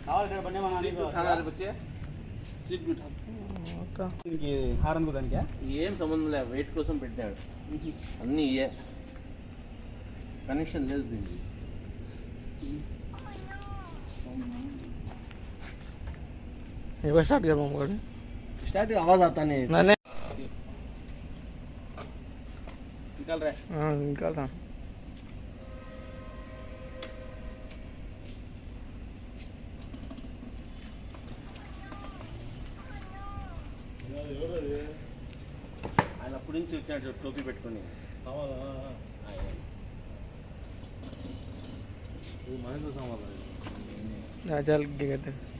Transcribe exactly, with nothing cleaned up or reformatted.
Street బ్యూట్ horn దానికి ఏం సంబంధం లేదు, వెయిట్ కోసం పెట్టాడు. అన్నీ ఇయే, కనెక్షన్ లేదు దీనికి. स्टार्ट कर पाऊंगा स्टार्ट आवाज आता नहीं मैंने निकाल रहा है। हाँ निकाल रहा ఆయన అప్పుడు నుంచి వచ్చాడు టోపీ పెట్టుకొని. चल क्या कहते हैं